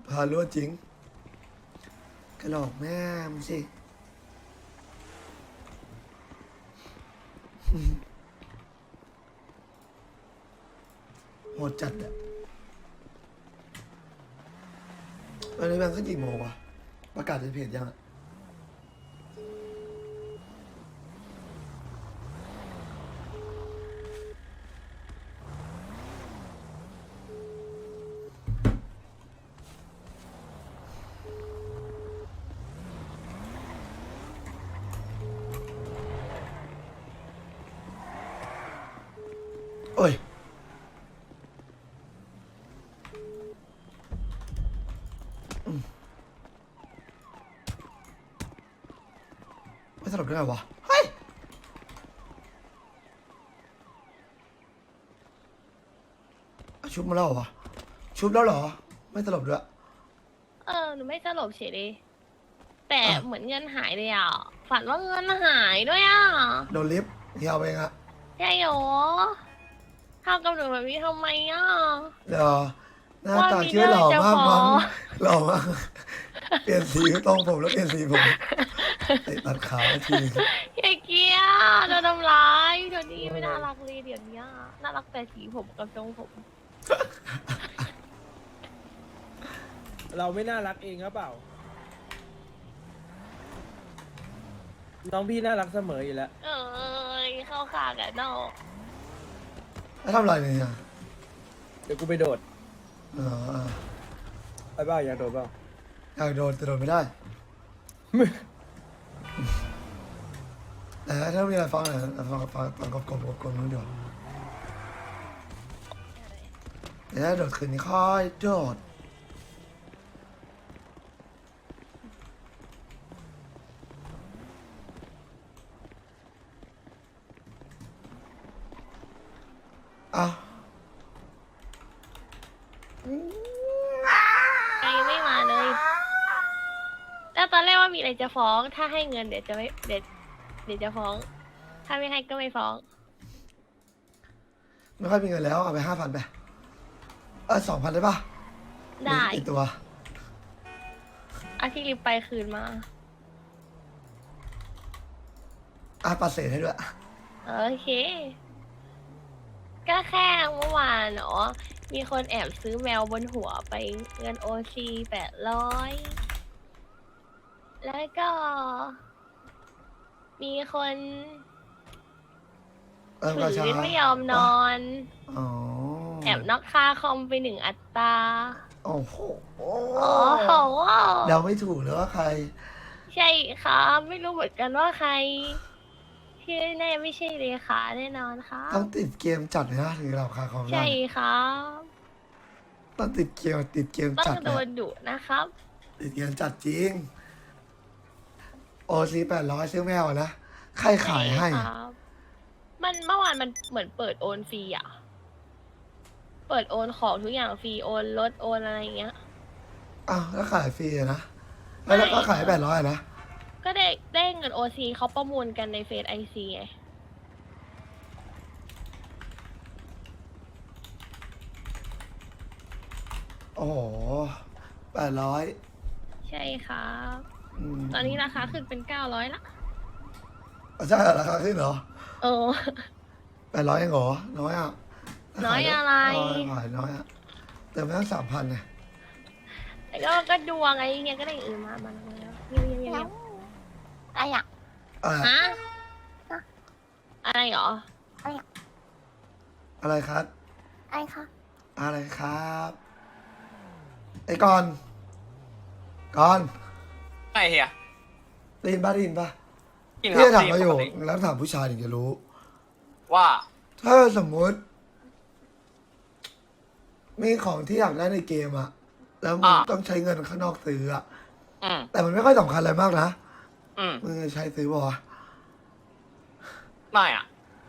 พารั่วจริงกระหลอกแม่มึงสิโหดจัดอะวันนี้มันขึ้นกี่โมงวะประกาศในเพจยังอะโอ้ยไม่สลบได้ไงวะเฮ้ยชุบมาแล้วเหรอวะชุบแล้วเหรอไม่สลบด้วยหนูไม่สลบเฉยเลยแต่อ่ะเหมือนเงินหายเลยอ่ะฝันว่าเงินหายด้วยอ่ะโดนลิฟต์เฮียเอาไปเองอะใช่หรอทำกับหนูแบบนี้ทำไมอ่ะเดี๋ยวหน้าตาว่ามีชื่อหล่อเรื่องจะมากมั้งฟ้องหล่อมากเปลี่ยนสีต้องผมแล้วเปลี่ยนสีผมไอ้ตัดขาวทีไอ้เกียร์โดนทำร้ายเดี๋ยวนี้ไม่น่ารักเลยเดี๋ยวนี้น่ารักแต่สีผมกับทรงผมเราไม่น่ารักเองครับเปล่า น้องพี่น่ารักเสมออยู่แล้วเอ้ยเข้าขากันเนาะแล้วทำอะไรเนี่ยเดี๋ยวกูไปโดดอ๋อไปเปล่าอยากโดดเปล่าอยากโดนแต่โดนไม่ได้แต่ถ้ามีอะไรฟังหน่อยฟังกบนู้นเดี๋ยวเดี๋ยวถ้าโดดคืนนี้ค่อยโดดอ้าวยังไม่มาเลยแล้วตอนแรกว่ามีอะไรจะฟ้อง ถ้าให้เงินเดี๋ยวจะไม่เดี๋ยวจะฟ้อง ถ้าไม่ให้ก็ไม่ฟ้องไม่ค่อยมีเงินแล้วเอาไป5,000ไป2,000ได้ปะได้อีกตัวเอาที่ริบไปคืนมาปัดเศษให้ด้วยโอเค ก็แค่เมื่อวานเนาะมีคนแอบซื้อแมวบนหัวไปเงินOC800แล้วก็ มีคนกระถืชาอไม่ยอมนอนอ๋อแอบน็อกค่าคอมไป1 อัตราโอ้โหโอ้โหเดาไม่ถูกเลยว่าใครใช่ครับไม่รู้เหมือนกันว่าใครที่แน่ไม่ใช่เลขาแน่นอนครับต้องติดเกมจัดเลยนะถึงจะราคาคอมได้ใช่ครับต้องติดเกมต้อจังดโดเลยนดุนะครับติดเกมจัดจริงOC800ซื้อแมวนะใครขายให้ช่ครับ มันเมื่อวานมันเหมือนเปิดโอนฟรีอ่ะ เปิดโอนของทุกอย่างฟรีโอนรถโอนอะไรอย่างเงี้ยอ้าวแล้วขายฟรีอะนะแล้วก็ขาย800นะก็ได้เงินOCเขาประมูลกันในเฟซICไงโอ้โห800 ใช่ครับมตอนนี้ราคาขึ้นเป็น900ละใช่เหรอราคาขึ้นเหรอโอ้ 800เองเหรอน้อยอ่ะน้อยอะไรขายน้อยอ่ะเติมไปตั้ง3,000เนี่ยแล้วก็ดวงไอ้เนี่ยก็ได้อย่างอื่นมาแล้วเงียบอะไรอ่ะอะไรฮะอะไรเหรออะไรครับอะไรคะอะไรครับไอ้ก่อนไอ้เฮียได้ยินป่ะกินพี่คจะรับถามเราอยู่ปกติแล้วถามผู้ชายถึงจะรู้ว่าถ้าสมมุติ มีของที่อยากได้ในเกมอะแล้วมึงต้องใช้เงินข้างนอกซื้ออะอืมแต่มันไม่ค่อยสำคัญอะไรมากนะอืมมึงจะใช้ซื้อป่าวะไม่อ่ะ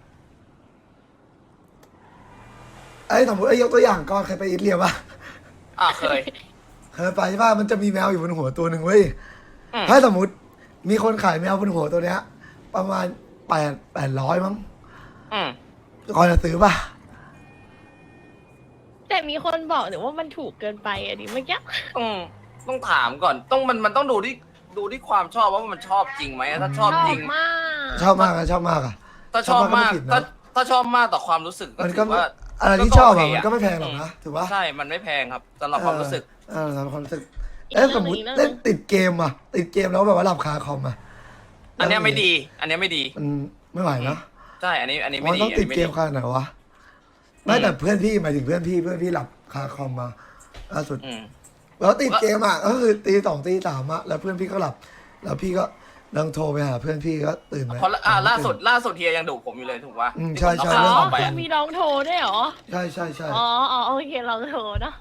สมมติยกตัวอย่างก่อนเคยไปอิตาลีป่ะเคยเคยไปใช่ป่ะมันจะมีแมวอยู่บนหัวตัวหนึ่งเว้ยอืมถ้าสมมติมีคนขายแมวบนหัวตัวเนี้ย ประมาณ800มั้งอืมก่อนจะซื้อป่ะแต่มีคนบอกหนูว่ามันถูกเกินไปอ่ะดิเมื่อกี้ต้องถามก่อนมันต้องดูที่ความชอบว่ามันชอบจริงไหมถ้าชอบจริงมากชอบมากอะชอบมากอะถ้าชอบมากก็ไผิดนะถ้าชอบมากต่อความรู้สึกก็มันถืก็อว่าอะไรที่ก็ชอบโออะเคมันก็ไม่แพงหรอกนะถือว่าใช่มันไม่แพงครับสำหรับความรู้สึกสำหรับความรู้สึกสมมติเล่นติดเกมอะติดเกมแล้วแบบว่าหลับคาคอมอะอันเนี้ยไม่ดี อันเนี้ยไม่ดีมันไม่ไหวนะใช่อันนี้ไม่มันดีต้องติดเกมอันนี้ขนาดไหนวะไม่แต่เพื่อนพี่หมายถึงเพื่อนพี่หลับคาคอมมาล่าสุดอืมแล้วติดเกมอ่ะก็คือตี 2 ตี 3อ่ะแล้วเพื่อนพี่ก็หลับ แล้วพี่ก็ลังโทรไปหาเพื่อนพี่ก็ตื่นไหมเพราะล่าสุดเฮียยังดุผมอยู่เลยถูกป่ะอืมที่ใช่ผมใช่เอาอ๋อข่าวไปคืออะมีลองโทรด้วยเหรอใช่ใช่อ๋อโอเคลองโทรเนาะ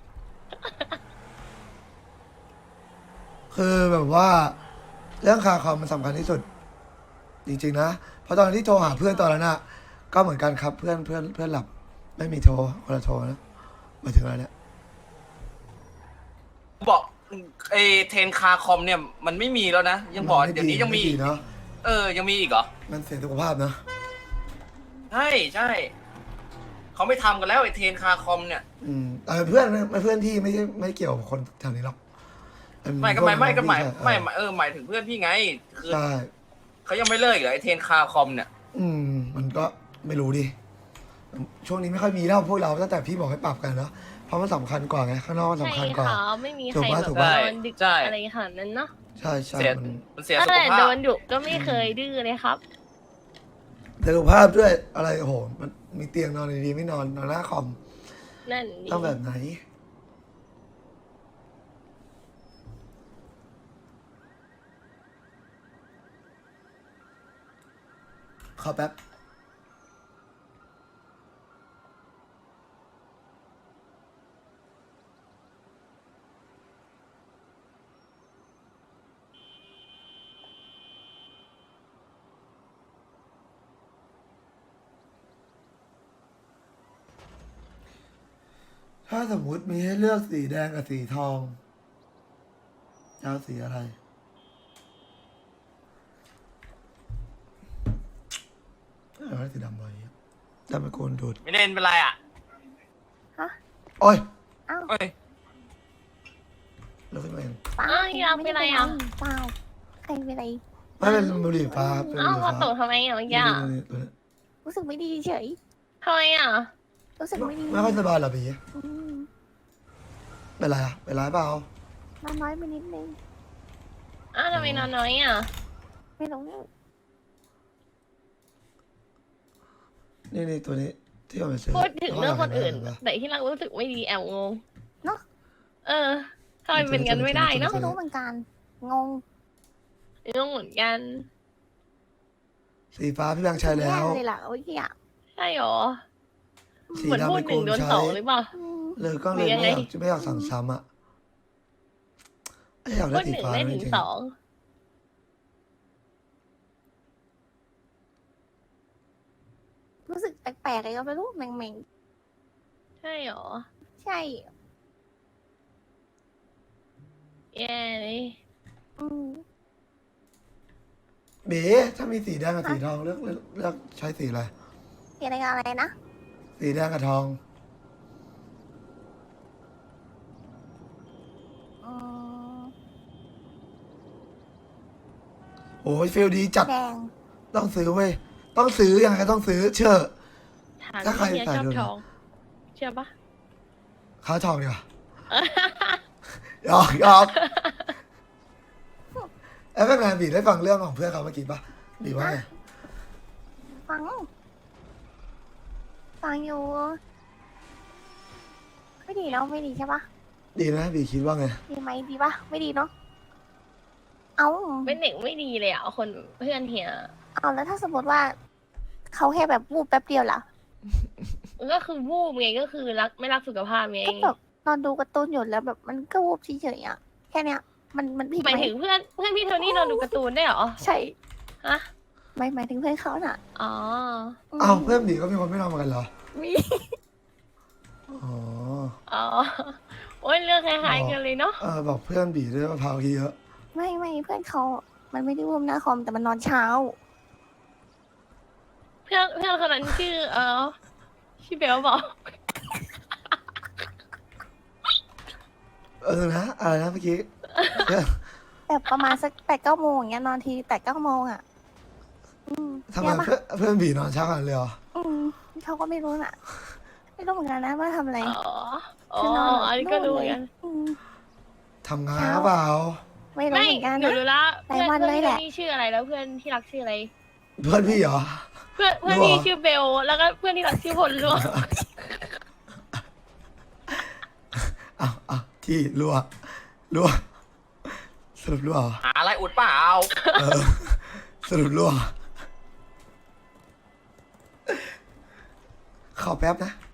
คือแบบว่า เรื่องคาคอมมันสำคัญที่สุด จริงๆนะเพราะตอนที่โทรหาเพื่อนตอนนั้นอ่ะก็เหมือนกันครับเพื่อนหลับ ไม่มีโทรคนละโทรนะหมายถึงอะไรเนี่ยบอกไอเทรนคาคอมเนี่ยมันไม่มีแล้วนะ ยังบอกเดี๋ยวนี้ยังมีไดีเนาะยังมีอีกเหรอมันเสียสุขภาพนะใช่เขาไม่ทำกันแล้วไอเทรนคาคอมเนี่ยเพื่อนที่ไม่เกี่ยวกับคนแถวนี้หรอกไม่ก็หมายหมายถึงเพื่อนพี่ไงคือใช่เขายังไม่เลิกอีกเหรอไอเทรนคาคอมเนี่ยมันก็ไม่รู้ดิ ช่วงนี้ไม่ค่อยมีแล้วพวกเราตั้งแต่พี่บอกให้ปรับกันเนาะเพราะมันสำคัญกว่าไงข้างนอกมันใช่สำคัญกว่าค่ะไม่มีใครถูกแบปะบถูกนปะอนดึกอะไรขนาดนั้นเนาะใช่เสียมันมันเสียตั้สุงขแต่ภาโดพนดุก็ไม่เคยดื้อเลยครับเสียสุขภาพด้วยอะไรโอ้โหมันมีเตียงนอนดีๆไม่นอนหน้าคอมนั่นดิต้องแบบไหน ขอแป๊บ ถ้าสมมุติมีให้เลือกสีแดงกับสีทองจะเอาสีอะไรเอาสีดำไปดำไปโกนดูดไม่เล่นเป็นไรอ่ะโอ้ยเอ้ยเราขึ้นมาเองอ้าวอยากเป็นอะไรอ่ะเปล่าใครเป็นอะไรไม่เป็นบุหรี่ฟ้าเป็นบุอ้าวหรี่มาฟ้าตกทำไมอ่ะเมื่อกี้นี่อะนี่ตัวนี้รู้สึกไม่ดีเฉยทำไมอ่ะรู้สึกไม่ดีไม่ค่อยสบายเหรอพี่อืมเป็นไรอะเป็นไรเปล่านอนน้อยไปนิดนึงอ้าวทำไมนอนน้อยอ่ะไม่รู้นี่ตัวนี้ที่เอาไปซื้อพูดถึงเรื่องคนอื่นเห็ปะแต่ที่เรารู้สึกไม่ดีแอบงงเนาะทำไมเป็นกันไม่ได้เนาะไม่รู้เหมือนกันงงงงเหมือนกันสีฟ้าพี่แบงค์ใช้แล้วย่เลยล่ะโอ้ยอ่ะใช่หรอสีเหมือนดำพูไปดหโกนึ่งนโดนใช้สองหรือเปล่าอืมเลยก็เลยหรือยังไงไม่อยากสั่งซ้ำอะอยากพูได้ดสีหนึ่งฟ้าได้จถึงริงสองรู้สึกแปลกๆเลยก็ไม่รู้แหม่งใช่หรอๆใช่แย่เลยอืมๆเบ๋ถ้ามีสีแดงกับสีทองเลือกใช้สีอะไรสีอะไรกับอะไรนะสีแดงกับทองอืมโอ้ยฟิลดีจัดแดงต้องซื้อเว้ยต้องซื้อยังไงก็ต้องซื้อเชื่อถามถ้าใครที่เฮียใส่ชอบดูนะทอง เชื่อปะค้าทองดีกว่าหยอกแอฟเฟกต์แมนบีได้ฟังเรื่องของเพื่อนเขาเมื่อกี้ปะบีว่าไงฟัง ฟังอยู่ไม่ดีแล้วไม่ดีใช่ปะดีนะบีคิดว่าไงดีไหมดีปะไม่ดีเนาะเอาเป็นเด็กไม่ดีเลยอ่ะคนเพื่อนเฮียเอาแล้วถ้าสมมติว่า เขาแค่แบบวูบแป๊บเดียวล่ะก็คือวูบไงก็คือไม่รักสุขภาพไงก็แบบนอนดูการ์ตูนอยู่แล้วแบบมันก็วูบเฉยๆอ่ะแค่เนี้ยมันผิดหมายไหมถึงเพื่อนพี่โทนี่นอนดูการ์ตูนได้เหรอใช่ฮะหมายถึงเพื่อนเขาน่ะอ๋อมอ้าวเพื่อนบีก็มีคนไม่นอนเหมือนกันเหรอมีอ๋ออ๋อ โอ้ยเรื่องคล้ายๆกันเลยเนาะบอกเพื่อนบีด้วยมะพร้าวเยอะไม่เพื่อนเขามันไม่ได้วูบหน้าคอมแต่มันนอนเช้าเพื่อนคนนั้นชื่อชื่อเบลบอกนะอะไรนะเมื่อกี้แบบประมาณสัก8-9 โมงอย่างเงี้ยนอนที8-9 โมงอ่ะทำไมเนี่ยปะเพื่อนบีนอนเช้ากันเลยเหรอเขาก็ไม่รู้น่ะ ไม่รู้เหมือนกันนะว่าทำอะไรอ๋อคือนอนอันนี้ก็รู้เหมือนกันทำงานหรือเปล่าไม่รู้ไม่เหมือนกันหนูนะรู้ละหลายวันเพื่อนเลยแหละนี่ชื่ออะไรแล้วเพื่อนที่รักชื่ออะไรเพื่อนพี่เหรอเพื่อนรู้เหรอพี่ชื่อเบลแล้วก็เพื่อนที่รักชื่อพลล่วงอ้าวที่รั่วสรุปรั่วเหรอหาอะไรอุดเปล่าเออสรุปรั่วขอแป๊บนะ